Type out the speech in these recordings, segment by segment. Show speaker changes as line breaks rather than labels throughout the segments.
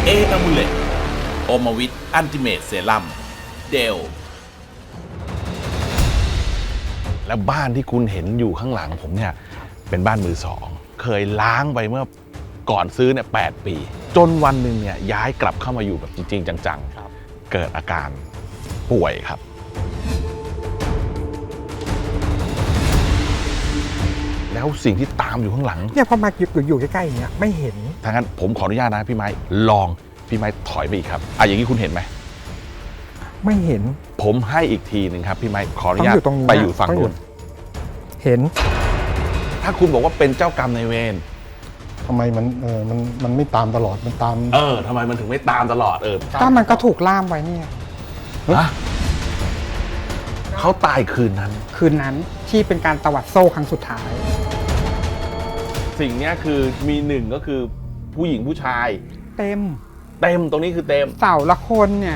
อะมูเลตโอมาวิทอันติเมตเซรั่มเดลและบ้านที่คุณเห็นอยู่ข้างหลังผมเนี่ยเป็นบ้านมือสองเคยล้างไปเมื่อก่อนซื้อเนี่ย8 ปีจนวันหนึ่งเนี่ยย้ายกลับเข้ามาอยู่แบบจริงๆจังๆเกิดอาการป่วยครับแล้วสิ่งที่ตามอยู่ข้างหลัง
เนี่ยพอมาอยู่ใกล้ๆอย่างเงี้ยไม่เห็น
ถ้างั้นผมขออนุญาตนะพี่ไม้ลองพี่ไม้ถอยไปอีกครับอย่างนี้คุณเห็นไหม
ไม่เห็น
ผมให้อีกทีหนึ่งครับพี่ไม้ขออนุญาตไปอยู่ฝั่งนู้น
เห็น
ถ้าคุณบอกว่าเป็นเจ้ากรรมนายเวร
ทำไมมันไม่ตามตลอดมันตาม
ทำไมมันถึงไม่ตามตลอด
ก็มันก็ถูกล่ามไว้เนี่ย
เขาตายคืนนั้น
ที่เป็นการตวัดโซ่ครั้งสุดท้าย
สิ่งนี้คือมีหนึ่งก็คือผู้หญิงผู้ชาย
เต็ม
ตรงนี้คือเต็ม
เสาละคนเนี่ย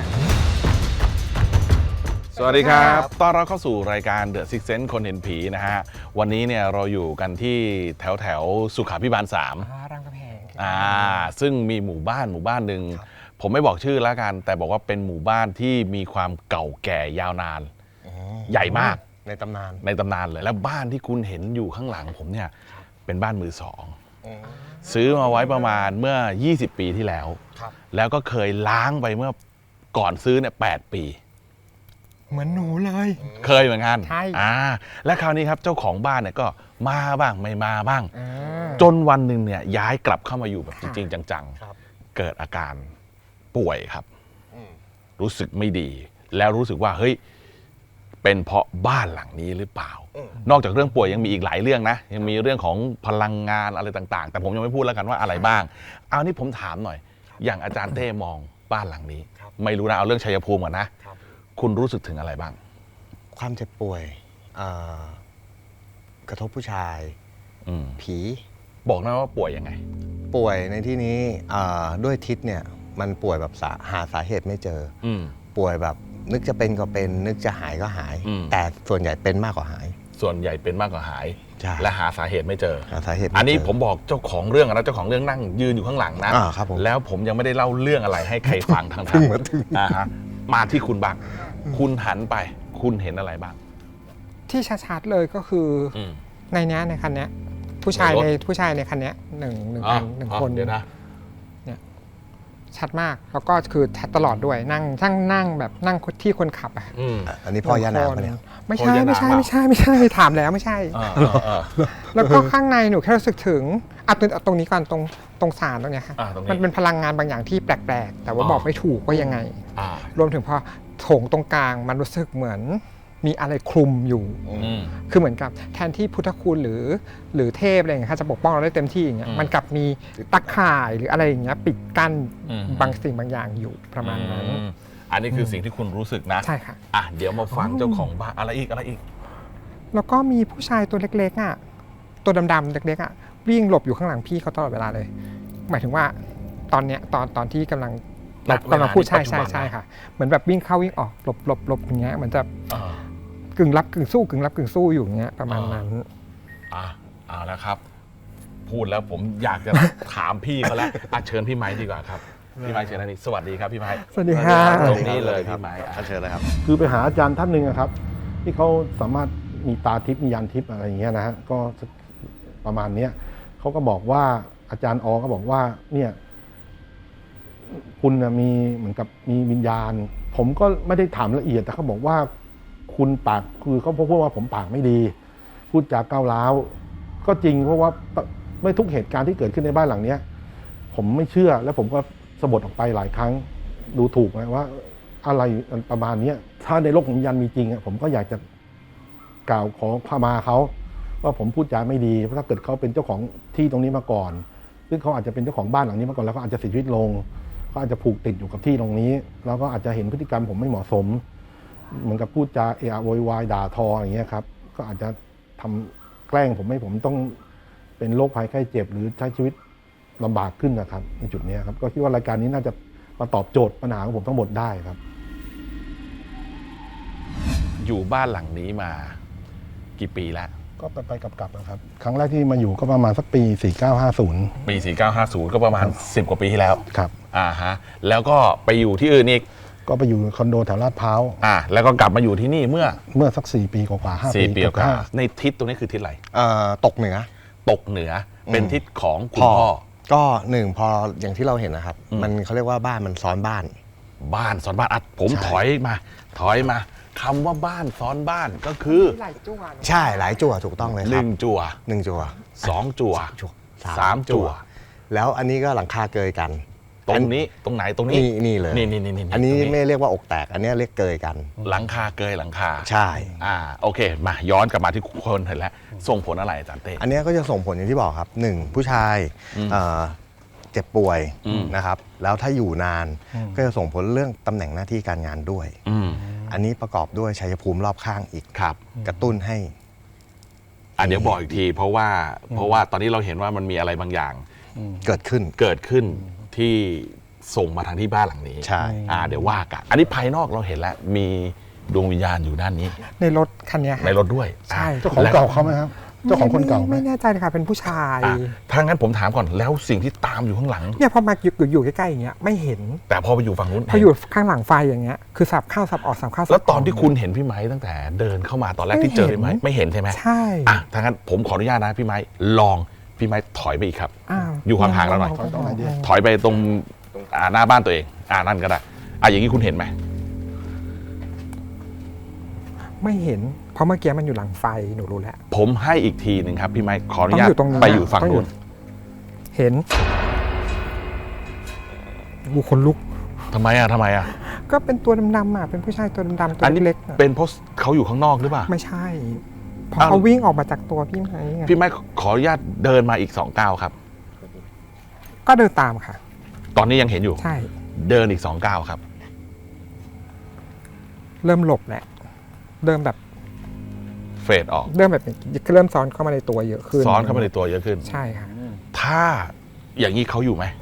สวัสดีครับต้อนรับเข้าสู่รายการ The Sixth Sense คนเห็นผีนะฮะวันนี้เนี่ยเราอยู่กันที่แถวสุขาภิบาล3
รามคำแหง
ซึ่งมีหมู่บ้านหนึ่งผมไม่บอกชื่อแล้วกันแต่บอกว่าเป็นหมู่บ้านที่มีความเก่าแก่ยาวนานใหญ่มาก
ในตำน
านเลยแล้วบ้านที่คุณเห็นอยู่ข้างหลังผมเนี่ยเป็นบ้านมือสองซื้อมาไว้ประมาณเมื่อ20 ปีที่แล้วแล้วก็เคยล้างไปเมื่อก่อนซื้อเนี่ย8 ปี
เหมือนหนูเลย
เคยเหมือนกัน
ใช่
และคราวนี้ครับเจ้าของบ้านเนี่ยก็มาบ้างไม่มาบ้างจนวันหนึ่งเนี่ยย้ายกลับเข้ามาอยู่แบบจริงๆจังๆเกิดอาการป่วยครับรู้สึกไม่ดีแล้วรู้สึกว่าเฮ้ยเป็นเพราะบ้านหลังนี้หรือเปล่านอกจากเรื่องป่วยยังมีอีกหลายเรื่องนะยังมีเรื่องของพลังงานอะไรต่างๆแต่ผมยังไม่พูดแล้วกันว่าอะไรบ้างเอานี่ผมถามหน่อยอย่างอาจารย์เต้มองบ้านหลังนี้ไม่รู้นะเอาเรื่องชัยภูมิก่อนนะคุณรู้สึกถึงอะไรบ้าง
ความเจ็บป่วยกระทบผู้ชายผี
บอกนะว่าป่วยยังไง
ป่วยในที่นี้ด้วยทิศเนี่ยมันป่วยแบบหาสาเหตุไม่เจอป่วยแบบนึกจะเป็นก็เป็นนึกจะหายก็หายแต่ส่วนใหญ่เป็นมากกว่าหาย
ส่วนใหญ่เป็นมากกว่าหายและหาสาเหตุไม่เจอ
หาสาเหตุ
อันนี้ผมบอกเจ้าของเรื่องนะเจ้าของเรื่องนั่งยืนอยู่ข้างหลังนะแล้วผมยังไม่ได้เล่าเรื่องอะไรให้ใครฟังทางมาที่คุณบ้างคุณหันไปคุณเห็นอะไรบ้าง
ที่ชัดๆเลยก็คือในนี้ในคันนี้ผู้ชายในคันนี้หนึ่งคน
เดี๋ยวนะ
เนี่ยชัดมากแล้วก็คือชัดตลอดด้วยนั่งแบบนั่งที่คนขับ
อันนี้พ่อย่านาคเนี่ย
ไม่ใช่ถามแล้วไม่ใช่แล้วก็ข้างในหนูแค่รู้สึกถึงตรงนี้ก่อนตรงศาลตรงเนี้ยค่ะมันเป็นพลังงานบางอย่างที่แปลกๆแต่ว่าบอกไม่ถูกว่ายังไงรวมถึงพอโถงตรงกลางมันรู้สึกเหมือนมีอะไรคลุมอยู่คือเหมือนกับแทนที่พุทธคุณหรือเทพอะไรอย่างเงี้ยจะปกป้องเราได้เต็มที่อย่างเงี้ยมันกลับมีตะข่ายหรืออะไรอย่างเงี้ยปิดกั้นบางสิ่งบางอย่างอยู่ประมาณนั้น
อันนี้คือสิ่งที่คุณรู้สึกนะ
ใช่ค่ะ
เดี๋ยวมาฟังเจ้าของบ้านอะไรอีก
แล้วก็มีผู้ชายตัวเล็กๆตัวดำๆเล็กๆวิ่งหลบอยู่ข้างหลังพี่เขาตลอดเวลาเลยหมายถึงว่าตอนเนี้ยตอนที่กำลังพูดใช่ค่ะเหมือนแบบวิ่งเข้าวิ่งออกหลบอย่างเงี้ยเหมือนจะกึ่งรับกึ่งสู้อยู่อย่างเงี้ยประมาณนั้น
เอาละครับพูดแล้วผมอยากจะถามพี่เขาแล้วเชิญพี่ไม้ดีกว่าครับพี่ไม้เชิญนี่สวัสดีครับพี่ไม้
สวัสดีครับ
ตรงนี้เลยพี่ไม้
เชิญเลยครับ
คือไปหาอาจารย์ท่านหนึ่งครับที่เขาสามารถมีตาทิพย์มียานทิพย์อะไรอย่างเงี้ยนะฮะก็ประมาณนี้เขาก็บอกว่าอาจารย์อก็บอกว่าเนี่ยคุณมีเหมือนกับมีวิญญาณผมก็ไม่ได้ถามละเอียดแต่เขาบอกว่าคุณปากคือเขาพูดว่าผมปากไม่ดีพูดจากก้าวร้าวก็จริงเพราะว่าไม่ทุกเหตุการณ์ที่เกิดขึ้นในบ้านหลังนี้ผมไม่เชื่อแล้วผมก็สะบัดออกไปหลายครั้งดูถูกนะว่าอะไรประมาณนี้ถ้าในโลกของวิญญาณมีจริงผมก็อยากจะกล่าวขอขมาเขาว่าผมพูดจาไม่ดีเพราะถ้าเกิดเขาเป็นเจ้าของที่ตรงนี้มาก่อนซึ่งเขาอาจจะเป็นเจ้าของบ้านหลังนี้มาก่อนแล้วก็อาจจะเสียชีวิตลงเขาอาจจะผูกติดอยู่กับที่ตรงนี้แล้วก็อาจจะเห็นพฤติกรรมผมไม่เหมาะสมเหมือนกับพูดจาโวยวายด่าทออย่างเงี้ยครับก็อาจจะทำแกล้งผมให้ผมต้องเป็นโรคภัยไข้เจ็บหรือใช้ชีวิตลำบากขึ้นนะครับในจุดนี้ครับก็คิดว่ารายการนี้น่าจะมาตอบโจทย์ปัญหาของผมทั้งหมดได้ครับ
อยู่บ้านหลังนี้มากี่ปีแล้ว
ก็ไปกลับนะครับครั้งแรกที่มาอยู่ก็ประมาณสักปี4950
ปี4950ก็ประมาณ10 กว่าปีที่แล้ว
ครับ
ฮะแล้วก็ไปอยู่ที่อื่นอีก
ก็ไปอยู่คอนโดแถวลาดพร้าว
แล้วก็กลับมาอยู่ที่นี่เมื่อ
สัก4 ปีกว่าๆ5 ปี
4 ปีกว่า
ห้า
ในทิศตรงนี้คือทิศอะไร
ตกเหนือ
ตกเหนือเป็นทิศของคุณพ่อ
ก็หนึ่งพออย่างที่เราเห็นนะครับ มันเขาเรียกว่าบ้านมันซ้อนบ้าน
บ้านซ้อนบ้านผม
ใช่
ถอยมาคำว่าบ้านซ้อนบ้านก็คือ
หลายจังหวะ
ใช่หลายจั่วถูกต้องเลยครับ
1 จั่ว
1 จั่ว
2 จั่ว 3 จั่ว
แล้วอันนี้ก็หลังคาเกยกัน
ตรงนี้ตรงไหนตรงนี้
นี่เลย
นี่
อันนี้
ตรง
ไม่เรียกว่าอกแตก อันนี้เรียกเกยกัน
หลังคาเกยหลังคา
ใช่
โอเคมาย้อนกลับมาที่คนเห็นแล้วส่งผลอะไรอาจารย์เต้
อันนี้ก็จะส่งผลอย่างที่บอกครับหนึ่งผู้ชายเจ็บป่วยนะครับ แล้วถ้าอยู่นานก็จะส่งผลเรื่องตำแหน่งหน้าที่การงานด้วย อันนี้ประกอบด้วยชัยภูมิรอบข้างอีก
ครับ
กระตุ้นให้
เดี๋ยวบอกอีกทีเพราะว่าตอนนี้เราเห็นว่ามันมีอะไรบางอย่าง
เกิดขึ้น
ที่ส่งมาทางที่บ้านหลังนี้
ใช่
เดี๋ยวว่ากันอันนี้ภายนอกเราเห็นแล้วมีดวงวิญญาณอยู่ด้านนี้
ในรถคันเนี้ย
ในรถด้วย
ใช่
เจ้าของเก่าเขาไหมครับ เจ้าของคนเก่าไหม
ไม่แน่ใจเลยค่ะเป็นผู้ชาย
ถ้างั้นผมถามก่อนแล้วสิ่งที่ตามอยู่ข้างหลัง
เนี่ยพอมาอยู่ใกล้ๆอย่างเงี้ยไม่เห็น
แต่พอไปอยู่ฝั่งนู้น
พออยู่ข้างหลังไฟอย่างเงี้ยคือสับเข้าสับออกสับเข้าสับ
แล้วตอนที่คุณเห็นพี่ไม้ตั้งแต่เดินเข้ามาตอนแรกที่เจอพี่ไม้ไม่เห็นใช่ไหม
ใช่
ถ้างั้นผมขออนุญาตนะพี่ไม้ลองพี่ไม้ถอยไปอีกครับ
อ้าว
อยู่ห่างๆเราหน่อย
ตรงไหนดี
ถอยไปตรงหน้าบ้านตัวเองนั่นก็ได้อย่างนี้คุณเห็นไหม
ไม่เห็นเพราะเมื่อกี้มันอยู่หลังไฟหนูรู้แล้ว
ผมให้อีกทีหนึ่งครับพี่ไม้ขออนุญาต
ต้องอยู่ตรงนี้
ไปอยู่ฝั่ง
ต้องอยู่
นู้น
เห็นกูคนลุก
ทำไมอ่ะ
ก็เป็นตัวดำๆเป็นผู้ชายตัวดำๆตัว
อันนี้
เล็กๆอะ
เป็นเพราะเขาอยู่ข้างนอกหรือเปล่า
ไม่ใช่เพราะ
อ้าว
เขาวิ่งออกมาจากตัวพี่ไม้ไง
พี่ไม้ขออนุญาตเดินมาอีก2 ก้าวครับ
ก็เดินตามค่ะ
ตอนนี้ยังเห็นอยู่
ใช่
เดินอีก2 ก้าวครับ
เริ่มหลบแหละเริ่มแบบ
เฟดออก
เริ่มแบบเริ่มซ้อนเข้ามาในตัวเยอะขึ้น
ซ้อนเข้ามาในตัวเยอะขึ้น
ใช่ค่ะ
ถ้าอย่างนี้เขาอยู่ไหม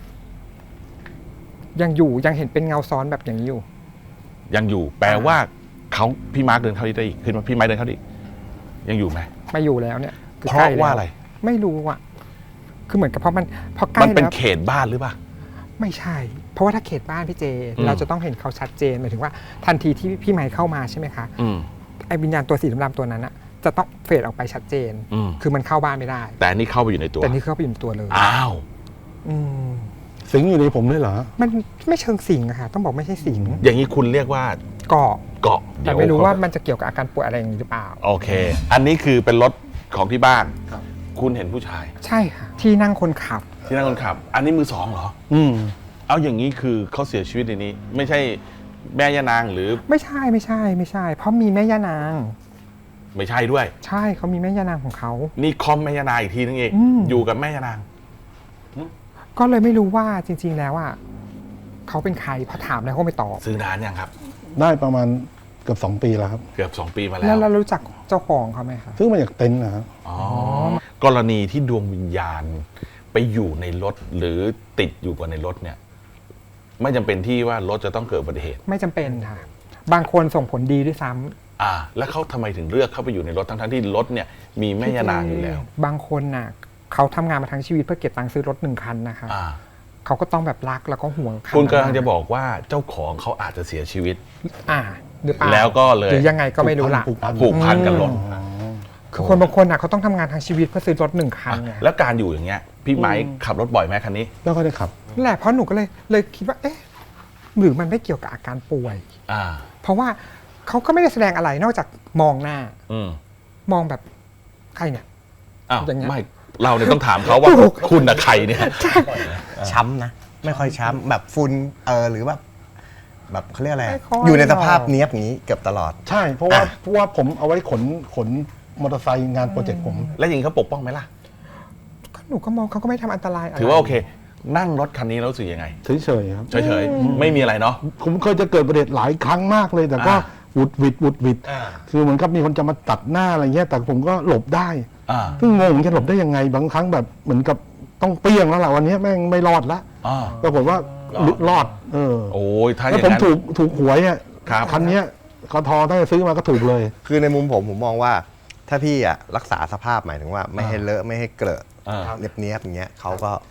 ยังอยู่ยังเห็นเป็นเงาซ้อนแบบอย่างนี้อยู่
ยังอยู่ แปลว่าเขาพี่มาร์คเดินเข้าได้อีกขึ้นมาพี่ไม้เดินเข้าได้อีกยังอยู่ไหม
ไม่อยู่แล้วเนี่ยคือ
เพ
ใกล้
ราะ
แล้ว
ว่าอะไร
ไม่รู้อ่ะคือเหมือนกับพอใกล้
มันเป็น
แล้ว
เขตบ้านหรือเปล่า
ไม่ใช่ เพราะว่าถ้าเขตบ้านพี่เจ เราจะต้องเห็นเขาชัดเจนหมายถึงว่าทันทีที่พี่ไมค์เข้ามาใช่ไหมคะ ไอ้วิญญาณตัวสีดำๆตัวนั้นอะจะต้องเฟดออกไปชัดเจน คือมันเข้าบ้านไม่ได้
แต่อันนี่เข้าไปอยู่ในตัว
แต่นี่เข้าไปอยู่ในตัวเลย
อ้าว
อืม
สิงอยู่ในผมด้วยเหรอ
มันไม่เชิงสิงอะค่ะต้องบอกไม่ใช่สิง
อย่างนี้คุณเรียกว่า
เกาะ
เกาะ
แต่ไม่รู้ว่ามันจะเกี่ยวกับอาการป่วยอะไรอย่างนี้หรือเปล่า
โอเค อันนี้คือเป็นรถของที่บ้านคุณเห็นผู้ชาย
ใช่ค่ะ ที่นั่งคนขับ
ที่นั่งคนขับ อันนี้มือสองเหรอ เอาอย่างนี้คือเขาเสียชีวิตในนี้ ไม่ใช่แม่ย่านางหรือ
ไม่ใช่ เพราะมีแม่ย่านาง
ไม่ใช่ด้วย
ใช่เขามีแม่ย่านางของเขา
นี่คอมแม่ย่านางอีกทีนึงเอง อยู่กับแม่ย่านาง
ก็เลยไม่รู้ว่าจริง ๆ แล้วอ่ะเขาเป็นใครพอถามแล้วเขาไม่ตอบ
ซื้อนานยังครับ
ได้ประมาณเกือบ2 ปีแล้วครับ
เกือบ2 ปีมาแล้
แล้ว
ว
เรารู้จักเจ้าของเขาไหมคะ
ซื้อมาจากเต็นท์นะครับ
กรณีที่ดวงวิญญาณไปอยู่ในรถหรือติดอยู่กับในรถเนี่ย ไม่จำเป็นที่ว่ารถจะต้องเกิดอุบัติเหตุ
ไม่จำเป็นค่ะ บางคนส่งผลดีด้วยซ้ำ
แล้วเขาทำไมถึงเลือกเข้าไปอยู่ในรถทั้งๆที่รถเนี่ยมีแม่ย่านางอยู่แล้ว
บางคนน่ะเขาทำงานมาทั้งชีวิตเพื่อเก็บตังค์ซื้อรถ1 คันนะคะ เขาก็ต้องแบบรักแล้วก็ห่วงคัน
คุณกำลังจะบอกว่าเจ้าของเขาอาจจะเสียชีวิต
หรือเปล่า
แล้วก็เลย
หรือยังไงก็ไม่รู้ล่ะ
ผูกพันกับรถ
คือคนบางคนน่ะเขาต้องทำงานทั้งชีวิตเพื่อซื้อรถ1 คันไง
แล้วการอยู่อย่างเงี้ยพี่ไม้ขับรถบ่อยไหมคันนี้
แล้วก็ได้ขับ
นั่นแหละเพราะหนูก็เลยคิดว่าเอ๊ะหรือมันไม่เกี่ยวกับอาการป่วย เพราะว่าเขาก็ไม่ได้แสดงอะไรนอกจากมองหน้า มองแบบใครเนี่ย อย่างเงี้ย
ไม่เราเนี่ยต้องถามเขาว่าคุณนะใครเนี่ย
ช้ำนะ ไม่ค่อยช้ำแบบฝุ่นหรือแบบเขาเรียกอะไร
ไม่ค่อย
อยู่ในสภาพเนี้ยบอย่างนี้เกือบตลอด
ใช่เพราะว่าผมเอาไว้ขนมอเตอร์ไซค์งานโปรเจกต์ผม
แล้วอย่างนี้เขาปกป้องไหมล่ะ
ก็หนูก็มองเขาก็ไม่ทำอันตรายอะไร
ถือว่าโอเค นั่งรถคันนี้แล้วรู้สึกยังไง
เฉยๆครับ
เฉยๆไม่มีอะไรเนาะ
ผมเคยจะเกิดประเด็นหลายครั้งมากเลย แต่ก็หวุดหวิดคือเหมือนกับมีคนจะมาตัดหน้าอะไรเงี้ยแต่ผมก็หลบได้ซึ่งงงจะหลบได้ยังไงบางครั้งแบบเหมือนกับต้องเปรี้ยงแล้วล่ะวันนี้แม่งไม่รอดละปรากฏว่ารอด
โอ้ยถ้าอ
แล้ว
ย่าง
ผม
นั้น
ถูกหวยอ่ะ
ครับ
คันเนี้ยกทถ้าจะซื้อมาก็ถูกเลย
คือในมุมผมมองว่าถ้าพี่รักษาสภาพหมายถึงว่าไม่ให้เลอะไม่ให้เกลอะเนียบๆอย่างเงี้ยเขาก็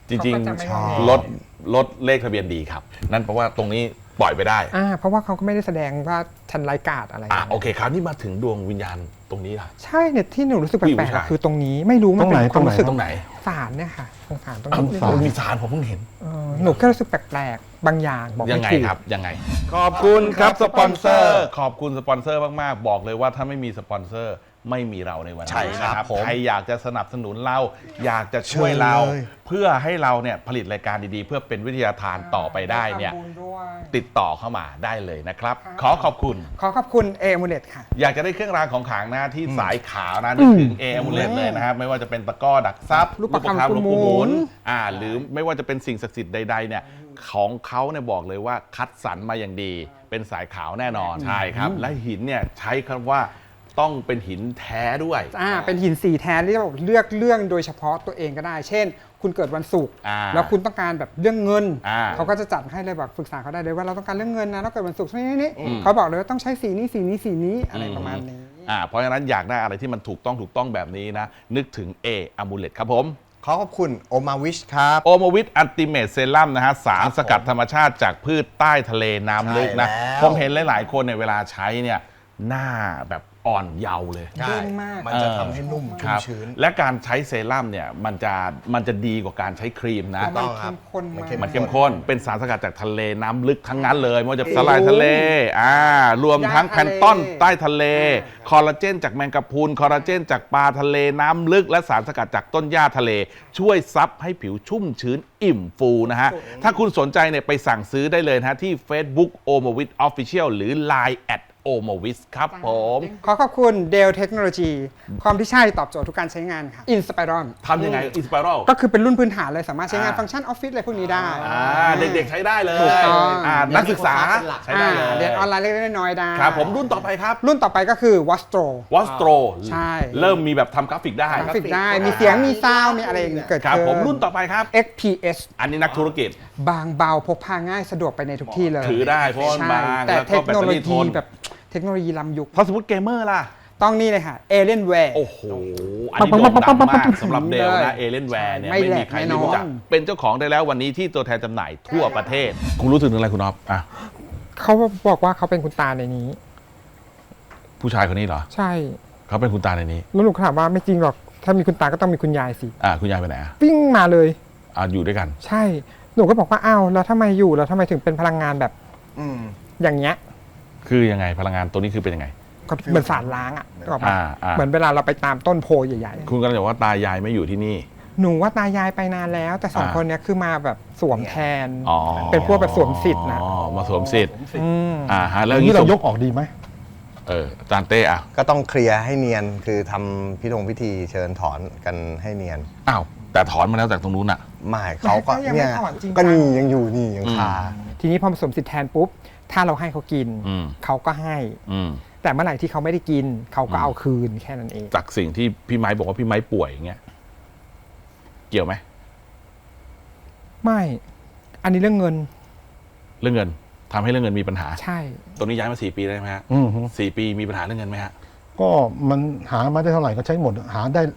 จริง
เขาก็จะไม่งอแง
รถเลขทะเบียนดีครับ นั่นเพราะว่าตรงนี้ปล่อยไปได้
เพราะว่าเขาก็ไม่ได้แสดงว่าฉันไร้กาจอะไร
โอเคครับนี่มาถึงดวงวิญญาณตรงนี้ล่ะ
ใช่เนี่ยที่หนูรู้สึกแป
ผู้หญิง
ล
ผู้
ก
ชาย
ๆคือตรงนี้ไม่รู้มันเป็นความรู้สึก
ตรงไหน
ศาลเนี่ยค่ะตรงศาลตรง
อ้าว
นี้
มีสารผมเพิ่งเห็น
หนูแค่รู้สึกแปลกๆบางอย่างบอก
ยั
ไม่
งไง
ถูก
ครับยังไง ขอบคุณครับสปอนเซอร์ ขอบคุณสปอนเซอร์มากๆบอกเลยว่าถ้าไม่มีสปอนเซอร์ไม่มีเราในวัน
ใช่
นี้
ครับ
นะครับ
ผม
ใครอยากจะสนับสนุนเรา อยากจะช่วยเรา
เชิญเลย
เพื่อให้เราเนี่ยผลิตรายการดีๆ เพื่อเป็นวิทยาทานต่อไปได้เนี่ย
ทำบุญด้วย
ติดต่อเข้ามาได้เลยนะครับ ขอขอบคุณ
ขอขอบคุณเอมูเลตค่ะ
อยากจะได้เครื่องรางของขลังนะที่สายขาวนะนึกถึงเออมูเลตเลยนะครับไม่ว่าจะเป็นตะกร้อดักซับ
ลูกประคำ
หลวงปู่ห
หมุ
มุน
น
หรือไม่ว่าจะเป็นสิ่งศักดิ์สิทธิ์ใดๆเนี่ยของเขาเนี่ยบอกเลยว่าคัดสรรมาอย่างดี เป็นสายขาวแน่นอนใช่ครับ และหินเนี่ยใช้คำว่าต้องเป็นหินแท้ด้วย
เป็นหินสีแท้ที่เราเลือกเรื่องโดยเฉพาะตัวเองก็ได้ เช่น คุณเกิดวันศุกร์ แล้วคุณต้องการแบบเรื่องเงิน เขาก็จะจัดให้เลยแบบปรึกษาเขาได้เลยว่าเราต้องการเรื่องเงินนะเราเกิดวันศุกร์นี่เขาบอกเลยว่าต้องใช้สีนี้สีนี้สีนี้อะไรประมาณนี้
เพราะฉะนั้นอยากได้อะไรที่มันถูกต้องแบบนี้นะนึกถึงเออะมูเลตครับผม
ขอขอบคุณโอมาวิชครับ
โอโมวิทอัลติเมทเซรั่มนะฮะสารสกัดธรรมชาติจากพืชใต้ทะเลน้ำลึกนะ
ใช่แล้ว
ผมเห็นหลายๆคนในยเวลาใช้เนี่ยหน้าแบบอ่อนเยาว์เลย
เด้งมาก
มันจะทำให้นุ่ม
ค
ชุ่ม
รับ
ชื้น
และการใช้เซรั่มเนี่ยมันจะดีกว่าการใช้ครีมนะ
ถูกต้องครับ
มันเข้มข้นมาก
มันเข้มข้นเป็นสารสกัดจากทะเลน้ำลึกทั้งนั้นเลยไม่ว่าจะสลายทะเลรวมทั้งแพลนตอนใต้ทะเลคอลลาเจนจากแมงกะพรุนคอลลาเจนจากปลาทะเลน้ำลึกและสารสกัดจากต้นหญ้าทะเล ช่วยซับให้ผิวชุ่มชื้นอิ่มฟูนะฮะถ้าคุณสนใจเนี่ยไปสั่งซื้อได้เลยนะฮะที่ Facebook o m o v i t Official หรือ Line o m o v i t ครับผม
ขอขอบคุณเดลเทคโนโลยีความที่ใช่ตอบโจทย์ทุกการใช้งานค่ะ Inspiron
ทำยังไงอินสป r รัล
ก็คือเป็นรุ่นพื้นฐานเลยสามารถใช้งานฟังก์ชันออฟฟิศอะไรพวกนี้ได้
เด็กๆใช้ได้เลย
ถูกต้อง
นักศึกษาใช้ได้เลย
เรียนออนไลน์เล็กๆน้อยๆได้
ครับผมรุ่นต่อไปครับ
รุ่นต่อไปก็คือ Wastro
วอสโตร
ใช่
เริ่มมีแบบทำกราฟิกได้
กราฟิกได้มีเสียงมีซาวด์มีอะไรอย่างเงี้ยเกิด
ครับ
ขึ้น
ผมรุ่นต่อไปครับ
XPS
อันนี้นักธุรกิจ
บางเบาพกพาง่ายสะดวกไปในทุกที่เลย
ถือได้เพราะมัน
ใช่
บาง
แต่
แล้ว
เท
ก็
ค
แบต
โน
เตอ
โล
รี่ท
ยี
น
แบบเทคโนโลยีล้ำยุค
พอสมมติเกมเมอร์ล่ะ
ต้องนี่เลยค่ะ Alienware
โอ้โห อันนี้โด่งดังมากสำหรับเดลนะเอเลนแวร์เนี่ย
ไม่
ไม่
แหล
มี
ก
ใคร
แน่น
ไม่
อน
รู้จักเป็นเจ้าของได้แล้ววันนี้ที่ตัวแทนจำหน่ายทั่วประเทศ คุณรู้สึกถึงอะไรคุณอ๊อฟอ่ะ
เขาบอกว่าเขาเป็นคุณตาในนี้
ผู้ชายคนนี้เหรอ
ใช่
เขาเป็นคุณตาในนี้
แล้วหนูถามว่าไม่จริงหรอก ถ้ามีคุณตาก็ต้องมีคุณยายสิ
คุณยายไปไหนอ่ะ
วิ่งมาเลย
อยู่ด้วยกัน
ใช่ หนูก็บอกว่าอ้าวแล้วทำไมอยู่แล้วทำไมถึงเป็นพลังงานแบบ
อืม
อย่างเงี้ย
คือยังไงพลังงานตัวนี้คือเป็นยังไง
ก็เหมือนสารล้างอ่ะนึกออกปะ
อ่า
เหมือนเวลาเราไปตามต้นโพใหญ่
คุณกำลังจะบอกว่าตายายไม่อยู่ที่นี่
ๆ หนูว่าตายายไปนานแล้ว แต่สอง
อ่า
คนเนี้ยคือมาแบบสวมแทน
อ๋อ
เป็นพวกแบบสวมสิทธิ์นะ
มาสวมสิทธิ์
อืม
ฮะแล้ว
อย่าง
นี้
นี้เรายกออกดีไหม
อาจารย์เต้อ่ะ
ก็ต้องเคลียร์ให้เนียนคือทำพิธีเชิญถอนกันให้เนียน
อ้าวแต่ถอนมาแล้วจากตรงนู้นอ่ะ
ไม่เขาก็
ยังไม่
เนี่ย
ถอนจริงจัง
ก็นี่ยังอยู่นี่ยังคา
ทีนี้พอผสมสิทธิ์แทนปุ๊บ ถ้าเราให้เขากิน
อืม
เขาก็ให้
อืม
แต่เมื่อไหร่ที่เขาไม่ได้กิน เขาก็เอาคืนแค่นั้นเอง
จากสิ่งที่พี่ไม้บอกว่าพี่ไม้ป่วยอย่างเงี้ยเกี่ยวไหม
ไม่ อันนี้เรื่องเงิน
เรื่องเงินทำให้เรื่องเงินมีปัญหา
ใช่
ตรงนี้ย้ายมา4 ปีได้ไหมฮะ
อืมฮึ
4 ปีมีปัญหาเรื่องเงินไหมฮะ
ก็มันหามาได้เท่าไหร่ก็ใช้หมด หาได้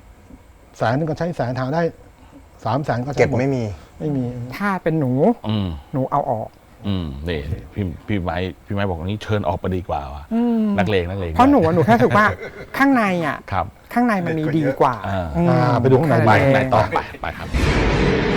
100,000ก็ใช้100,000หาได้300,000ก็ใช้
เก็บ
หมด
ไม่มี
ไม่มี
ถ้าเป็นหนู
อืม
หนูเอาออก
นี่พี่ไม้บอกว่านี้เชิญออกไปดีกว่าว่ะนักเลง
เพราะหนูอะหนูแค่รู้สึกว่า ข้างในอ่ะ
ครับ
ข้างในมันมีดีกว่า
อ่า
อืม
ไปดูข้างใน
ไป
แค่
ข้างใน
เอง
ต่อไปครับ